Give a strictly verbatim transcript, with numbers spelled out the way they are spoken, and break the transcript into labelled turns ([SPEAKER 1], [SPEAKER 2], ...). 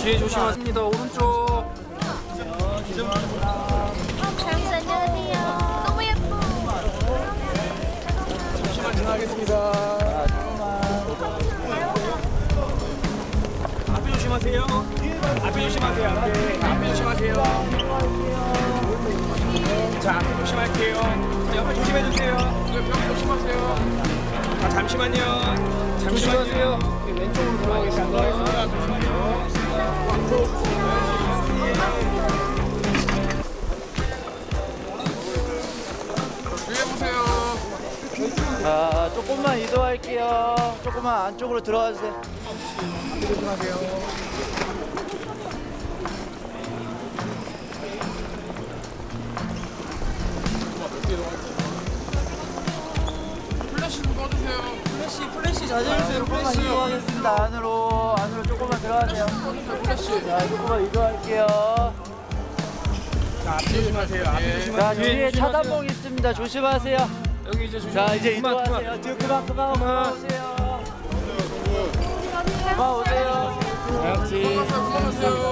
[SPEAKER 1] 뒤에 조심하십니다. 오른쪽.
[SPEAKER 2] 잠시 안녕하세요. 너무 예뻐.
[SPEAKER 1] 잠시만 지나가겠습니다. 앞에 조심하세요. 앞에 조심하세요. 앞에, 앞에 조심하세요. 자, 앞에 조심할게요. 옆에 조심해주세요. 옆에 조심하세요. 아, 잠시만요. 잠시만요. 왼쪽으로 돌아가겠습니다. 잠시만요.
[SPEAKER 3] 주의해보세요.
[SPEAKER 4] 자, 조금만 이동할게요. 조금만 안쪽으로 들어가 주세요.
[SPEAKER 3] 조심하세요. 플래시 좀 꺼주세요.
[SPEAKER 1] 플래시, 플래시 자제해주세요.
[SPEAKER 4] 조금만 이동하겠습니다. 안으로, 안으로 조금만 들어가세요.
[SPEAKER 3] 플래시.
[SPEAKER 4] 자, 조금만 이동할게요.
[SPEAKER 1] 자, 앞에 조심하세요. 앞에 조심하세요.
[SPEAKER 4] 자, 뒤에 차단봉 있습니다. 조심하세요.
[SPEAKER 1] 여기 이제 조심.
[SPEAKER 4] 자, 이제
[SPEAKER 1] 그만,
[SPEAKER 4] 이동하세요.
[SPEAKER 1] 그만.
[SPEAKER 4] 뒤에 그만, 그만, 그만 오세요. 그만 오세요.
[SPEAKER 1] 자, 역시.
[SPEAKER 3] 그만하세요. 그만하세요.